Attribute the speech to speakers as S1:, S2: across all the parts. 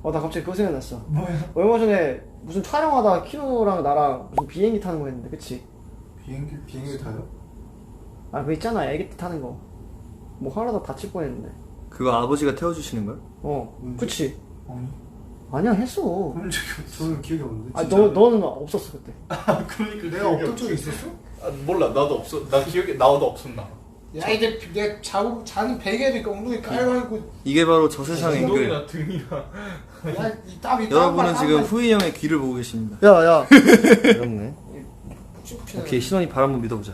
S1: 나 갑자기 그거 생각났어.
S2: 뭐야?
S1: 얼마 전에 무슨 촬영하다 키노랑 나랑 무슨 비행기 타는 거 했는데, 그치?
S3: 비행기 타요?
S1: 아, 그거 있잖아. 애기 때 타는 거. 뭐 하나도 다칠 뻔했는데.
S4: 그거 아버지가 태워주시는 걸?
S1: 그치?
S3: 아니.
S1: 아니야, 했어.
S3: 그런 적이 없어. 저는 기억이 없는데.
S1: 아, 너는 없었어, 그때.
S3: 그러니까 내가 없던 적이 있었어?
S2: 몰라, 나도 없어. 나도 없었나.
S3: 야, 이제 내 자는 베개니까 엉덩이 깔고.
S4: 이게 바로 저 세상의 글.
S2: 엉덩이나 등이나.
S3: 야, 이 땀이
S4: 여러분은 지금 후이 형의 귀를 보고 계십니다.
S1: 야.
S4: 어렵네. 오케이, 신원이 발 한번 믿어보자.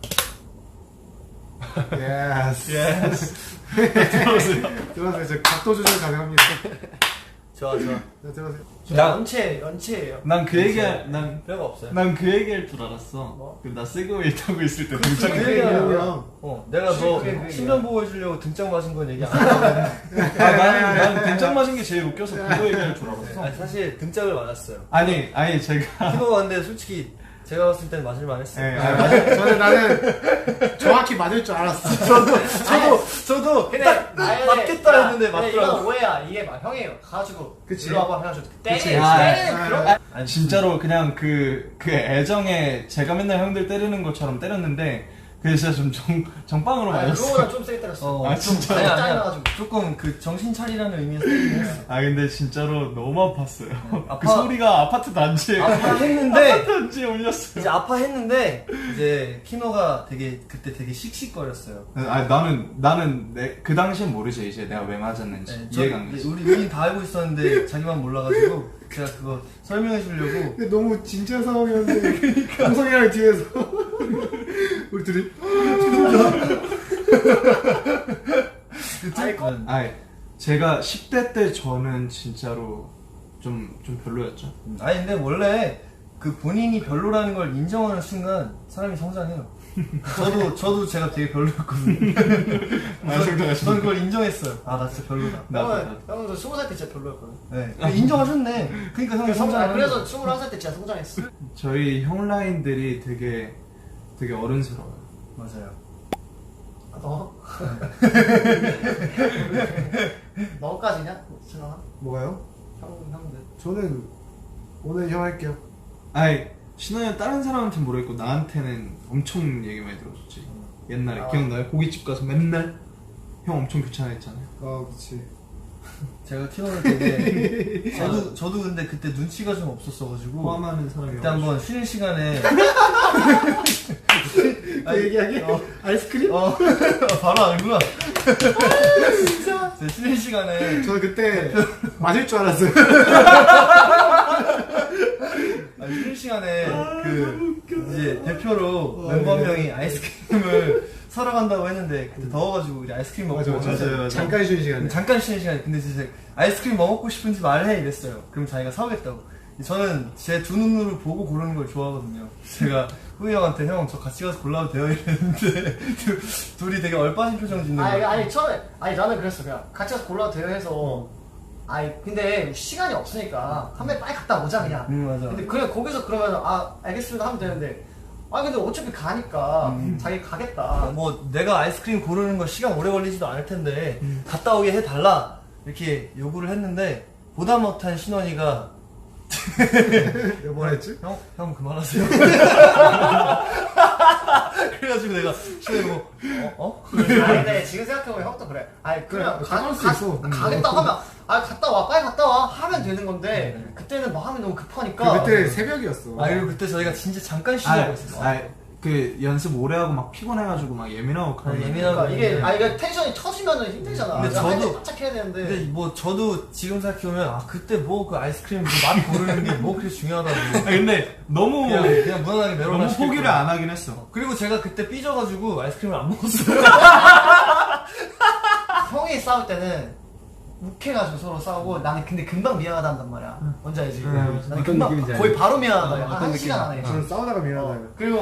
S3: 예스. 들어오세요. 저 각도 조절 가능합니다.
S4: 좋아.
S3: 네, 들어오세요.
S1: 연체예요.
S2: 난 그
S1: 별거 없어요.
S2: 얘기할 줄 알았어. 나 세그웨이 타고 있을 때 등장.
S1: 그 얘기야.
S4: 내가 너
S1: 그게
S4: 신변 보호해주려고 등짝 맞은 건 얘기 안 하거든.
S2: 난 등짝 맞은 게 제일 웃겨서 그거 얘기할 줄 알았어.
S4: 아니, 사실 등짝을 맞았어요.
S2: 아니 제가.
S4: 키노가 근데 솔직히 제가 봤을 땐 맞을만 했어요.
S3: 나는 정확히 맞을 줄 알았어.
S4: 저도
S1: 근데
S4: 딱 맞겠다 했는데 맞더라고.
S1: 이건 오해야. 이게 막 형이에요. 가가지고
S3: 그치.
S1: 일로 와봐 해가지고
S2: 그치.
S1: 때리는 그런.
S2: 아니 진짜로 그냥 그 애정에 제가 맨날 형들 때리는 것처럼 때렸는데 그게 진짜 좀 정빵으로 맞았어.
S1: 그거보다 좀 세게 때렸어.
S2: 진짜.
S4: 아니야.
S1: 짜증나가지고.
S4: 조금 그 정신 차리라는 의미에서 때리긴 했어.
S2: 근데 진짜로 너무 아팠어요. 그
S4: 아파-
S2: 소리가 아파트 단지에
S4: 아파했는데
S2: 아파트 단지에 울렸어요.
S4: 이제 아파했는데 이제 키노가 그때 되게 씩씩거렸어요.
S2: 나는 그 당시엔 모르지 이제 내가 왜 맞았는지 이해가 안 가지.
S4: 우리 다 알고 있었는데 자기만 몰라가지고 제가 그거 설명해 주려고.
S3: 근데 너무 진지한 상황이었는데 형성이랑 뒤에서 우리 둘이
S2: 제가 10대 때 저는 진짜로 좀 별로였죠.
S4: 아니 근데 원래 그 본인이 별로라는 걸 인정하는 순간 사람이 성장해요. 저도 제가 되게 별로였거든요. 저는 그걸 인정했어요. 나 진짜 별로다.
S1: 형도 20살 때 진짜 별로였거든.
S4: 네. 근데 인정하셨네. 그러니까 형이 성장.
S1: 그래서 21살 때 진짜 성장했어.
S2: 저희 형 라인들이 되게 어른스러워요.
S4: 맞아요.
S1: 너? 너까지냐? 진아?
S3: 뭐가요?
S1: 형들.
S3: 저는 오늘 형 할게요.
S2: 신호는 다른 사람한테는 모르겠고 나한테는 엄청 얘기 많이 들어줬지. 옛날에 기억나요? 고깃집 가서 맨날 형 엄청 귀찮아했잖아요.
S3: 그치.
S4: 제가 키노를 되게 저도 근데 그때 눈치가 좀 없었어가지고
S2: 포함하는 사람이
S4: 그때 한번 쉬는 시간에
S3: 얘기하게? 아이스크림?
S4: 바로 알구나. 진짜? 쉬는 시간에
S3: 저는 그때 맞을 줄 알았어요.
S4: 쉬는 시간에 이제 대표로 멤버 한 명이 아이스크림을 사러 간다고 했는데 그때 더워가지고 우리 아이스크림 먹고
S2: 맞아요.
S3: 잠깐 쉬는 시간에.
S4: 잠깐 쉬는 시간에 근데 진짜 아이스크림 뭐 먹고 싶은지 말해 이랬어요. 그럼 자기가 사오겠다고. 저는 제 두 눈으로 보고 고르는 걸 좋아하거든요. 제가 후이 형한테 형 저 같이 가서 골라도 돼요 이랬는데 둘이 되게 얼빠진 표정 짓는 거예요.
S1: 아니 처음에 나는 그랬어. 그냥 같이 가서 골라도 돼요 해서. 근데 시간이 없으니까 한 번 빨리 갔다 오자 그냥.
S4: 맞아.
S1: 근데 그래 거기서 그러면 알겠습니다 하면 되는데. 근데 어차피 가니까 자기 가겠다.
S4: 뭐 내가 아이스크림 고르는 거 시간 오래 걸리지도 않을 텐데 갔다 오게 해달라 이렇게 요구를 했는데 보다 못한 신원이가
S3: 뭐 했지?
S4: 형 그만하세요. 그래가지고 내가 신원이
S1: 근데 지금 생각해보면 형도 그래. 그냥
S3: 그럴 수 있어.
S1: 가겠다 하면 갔다 와 빨리 갔다 와 하면 되는 건데 그때는 마음이 너무 급하니까.
S3: 그때 새벽이었어.
S4: 그리고 그때 저희가 진짜 잠깐 쉬자고 했었어.
S2: 그 연습 오래 하고 막 피곤해가지고 막 예민하고 그런.
S1: 그러니까 이게 이게 텐션이 터지면은 힘들잖아.
S4: 근데 저도
S1: 바짝 해야 되는데.
S4: 근데 뭐 저도 지금 생각해보면 그때 뭐 그 아이스크림 맛 고르는 게 뭐 그렇게 중요하다고.
S2: 근데 너무
S4: 그냥 무난하게 메로나
S2: 너무 포기를 안 하긴 했어.
S4: 그리고 제가 그때 삐져가지고 아이스크림을 안 먹었어요.
S1: 형이 싸울 때는 욱해가지고 서로 싸우고 나는 근데 금방 미안하다 한단 말이야. 뭔지 알지? 나는
S3: 어떤
S1: 금방
S3: 느낌인지 알지?
S1: 거의 바로 미안하다.
S4: 어떤
S1: 한 시간 안에.
S3: 저는 싸우다가 미안하다.
S1: 그리고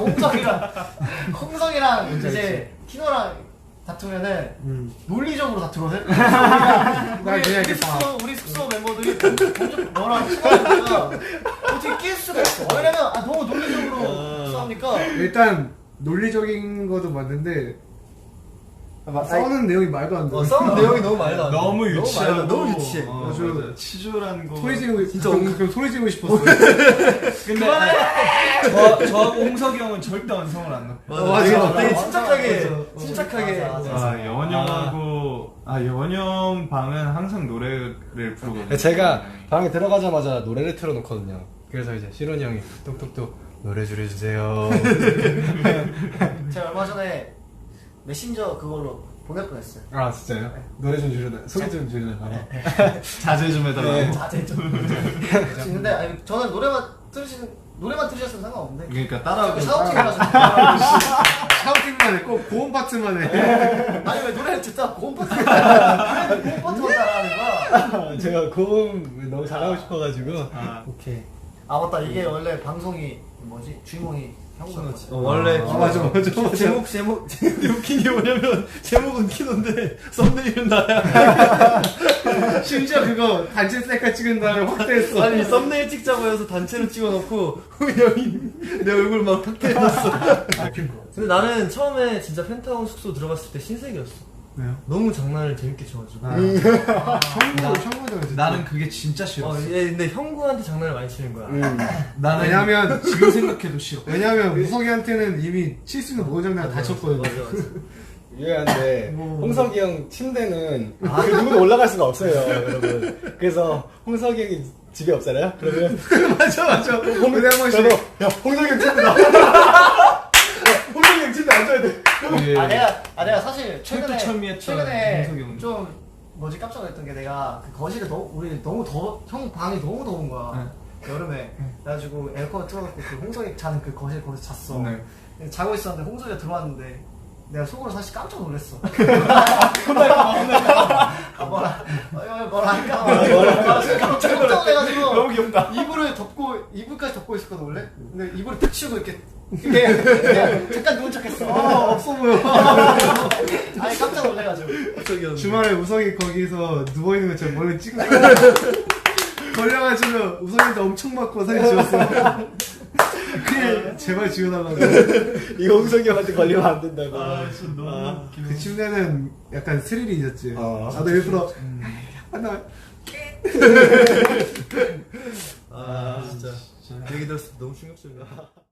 S1: 홍성이랑 이제 키노랑 다투면은 논리적으로 다투거든? 우리 숙소 멤버들이 너랑 친하니까 어떻게 낄 수가 없어. 왜냐면 너무 논리적으로 싸우니까.
S3: 일단 논리적인 것도 맞는데 싸우는 내용이 말도 안 돼.
S4: 싸우는 내용이 너무 말도 안 돼.
S2: 너무 유치하고
S4: 너무 유치해.
S2: 맞아. 치졸한 거.
S3: 소리 지르고
S4: 진짜
S3: 그럼 소리 지르고 싶었어.
S2: 근데 저하고 홍석이 형은 절대 완성을 안 넣고.
S3: 맞아.
S4: 되게
S1: 맞아.
S4: 침착하게
S1: 맞아.
S4: 침착하게.
S1: 맞아.
S2: 연영하고 연영 방은 항상 노래를 부르거든요.
S5: 제가 방에 들어가자마자 노래를 틀어놓거든요. 그래서 이제 시론이 형이 뚝뚝뚝 노래 줄여주세요.
S1: 제가 얼마 전에 메신저 그걸로 보낼 뻔했어요.
S5: 아 진짜요? 노래 좀 줄여달라. 소개 좀 줄여달라.
S2: 자제 좀 해달라고.
S1: 자제 좀. 근데 아니, 저는 노래만 들으셨으면 상관없는데.
S2: 그러니까 따라하고.
S1: 샤우팅이라서.
S3: 샤우팅만 해. 꼭 고음 파트만 해.
S1: 아니 왜 노래를 듣다 고음 파트만 따라하는 거야?
S5: 제가 고음 너무 잘하고 싶어가지고.
S1: 오케이. 아 맞다 이게 원래 방송이 뭐지 주인공이 형구였거든.
S4: 원래
S3: 맞아.
S4: 제목 웃긴 게 뭐냐면 제목은 키노인데 썸네일은 나야.
S3: 심지어 그거 단체 셀카 찍은 다음에 확대했어.
S4: 아니 썸네일 찍자고 해서 단체로 찍어놓고 형이 내 얼굴 막 확대해놨어. 근데 나는 처음에 진짜 펜타곤 숙소 들어갔을 때 신세계였어.
S2: 왜요?
S4: 너무 장난을 재밌게 쳐가지고.
S3: 형구잖아.
S2: 나는 그게 진짜 싫었어.
S4: 얘 근데 형구한테 장난을 많이 치는 거야.
S2: 나는
S3: 왜냐면
S2: 지금 생각해도 싫어.
S3: 왜냐면 우석이한테는 이미 칠 수 있는 모든 장난을 다 쳤거든.
S4: 맞아.
S5: 유해한데 홍석이 형 침대는 그 누구도 올라갈 수가 없어요, 여러분. 그래서 홍석이 형이 집에 없잖아요. 그러면
S3: 맞아. 근데 한 번씩
S5: 야 홍석이 형 침대 나. 홍석이 형 침대 앉아야 돼.
S1: 내가 사실 최근에
S2: 철두철미했던 홍석이 형.
S1: 좀 뭐지 깜짝 놀랐던 게 내가 그 거실에 우리 너무 형 방이 너무 더운 거야. 여름에 그래가지고 에어컨을 틀어놓고 그 홍석이 자는 그 거실 거기서 잤어.
S2: 네.
S1: 자고 있었는데 홍석이가 들어왔는데 내가 속으로 사실 깜짝 놀랐어. 뭐라 할까? 깜짝 놀래가지고
S2: 너무 귀엽다.
S1: 이불까지 덮고 있었거든 원래. 근데 이불을 탁 치우고 이렇게 그냥 잠깐 누운 척했어.
S3: 없어 보여.
S1: 아니 깜짝 놀래가지고.
S3: 주말에 우석이 거기서 누워있는 것처럼 머리 찍고 걸려가지고 우석이한테 엄청 맞고 사진 지웠어. 그냥 제발 지워달라고.
S5: 이거 홍석이 형한테 걸리면 안 된다고.
S2: 진짜 너무
S3: 그 침대는 약간 스릴이 있었지.
S5: 어.
S3: 나도 일부러 하나
S4: 진짜. 얘기 들었을 때 너무 충격적이야.